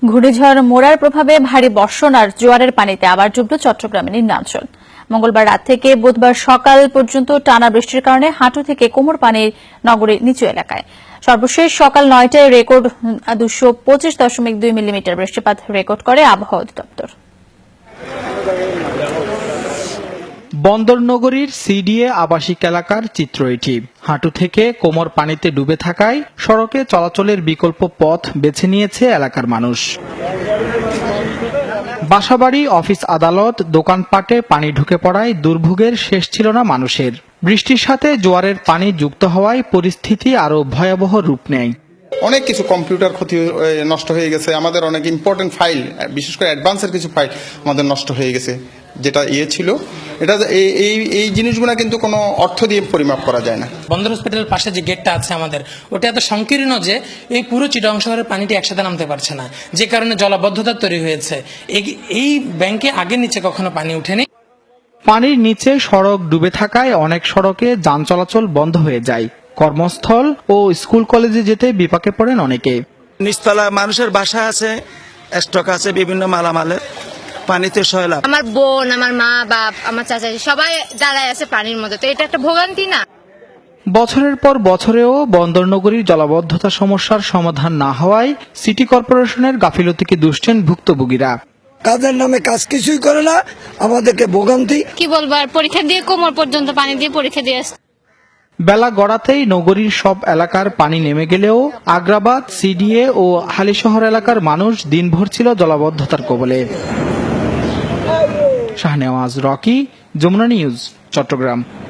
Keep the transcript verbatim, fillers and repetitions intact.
ঘূর্ণিঝড় মোরার প্রভাবে ভারী বর্ষণ আর জোয়ারের পানিতে আবার ডুবল চট্টগ্রামের নিম্নাঞ্চল। মঙ্গলবার রাত থেকে বুধবার সকাল পর্যন্ত টানা বৃষ্টির কারণে হাঁটু থেকে কোমর পানির নগরীর নিচু এলাকায়। সর্বশেষ সকাল নয়টায় রেকর্ড দুশো পঁচিশ দশমিক দুই মিলিমিটার বৃষ্টিপাত রেকর্ড করে আবহাওয়া অধিদপ্তর। বন্দরনগরীর সিডিএ আবাসিক এলাকার চিত্র এটি। হাঁটু থেকে কোমর পানিতে ডুবে থাকায় সড়কে চলাচলের বিকল্প পথ বেছে নিয়েছে এলাকার মানুষ। বাসাবাড়ি, অফিস, আদালত, দোকানপাটে পানি ঢুকে পড়ায় দুর্ভোগের শেষ ছিল না মানুষের। বৃষ্টির সাথে জোয়ারের পানি যুক্ত হওয়ায় পরিস্থিতি আরও ভয়াবহ রূপ নেয়। অনেক কিছু কম্পিউটার ক্ষতি নষ্ট হয়ে গেছে, আমাদের অনেক ইম্পর্টেন্ট ফাইল, বিশেষ করে অ্যাডভান্সের কিছু ফাইল আমাদের নষ্ট হয়ে গেছে। যেটা ইয়ে ছিল, এটা এই এই জিনিসগুলো কিন্তু কোনো অর্থ দিয়ে পরিমাপ করা যায় না। বন্দর হসপিটালের পাশে যে গেটটা আছে আমাদের, ওটা এত সংকীর্ণ যে এই পুরো চিটাগং শহরের পানিটি একসাথে নামতে পারছে না, যে কারণে জলাবদ্ধতা তৈরি হয়েছে। এই ব্যাংকে আগে নিচে কখনো পানি উঠেনি। পানির নিচে সড়ক ডুবে থাকায় অনেক সড়কে যান চলাচল বন্ধ হয়ে যায়। কর্মস্থল ও স্কুল কলেজে যেতে বিপাকে পড়েন অনেকে। নিচতলা মানুষের বাসা আছে, স্টক আছে বিভিন্ন মালামালের, পানিতে সয়লাভ। আমার বোন, আমার মা, বাপ, আমার চাচা সবাই দাঁড়ায় আছে পানির মধ্যে, তো এটা একটা ভোগান্তি না? বছরের পর বছরেও বন্দরনগরীর জলাবদ্ধতা সমস্যার সমাধান না হওয়ায় সিটি কর্পোরেশনের গাফিলতিকে দুষছেন ভুক্তভোগীরা। কাজের নামে কাজ কিছুই করে না, আমাদেরকে ভোগান্তি। কি বলবো, আর পরীক্ষা দিয়ে কোমর পর্যন্ত পানি দিয়ে পরীক্ষা দিয়ে আসছে। বেলা গড়াতেই নগরীর সব এলাকার পানি নেমে গেলেও আগ্রাবাদ, সিডিএ ও হালিশহর এলাকার মানুষ দিনভর ছিল জলাবদ্ধতার কবলে। শাহনেওয়াজ রকি, যমুনা নিউজ, চট্টগ্রাম।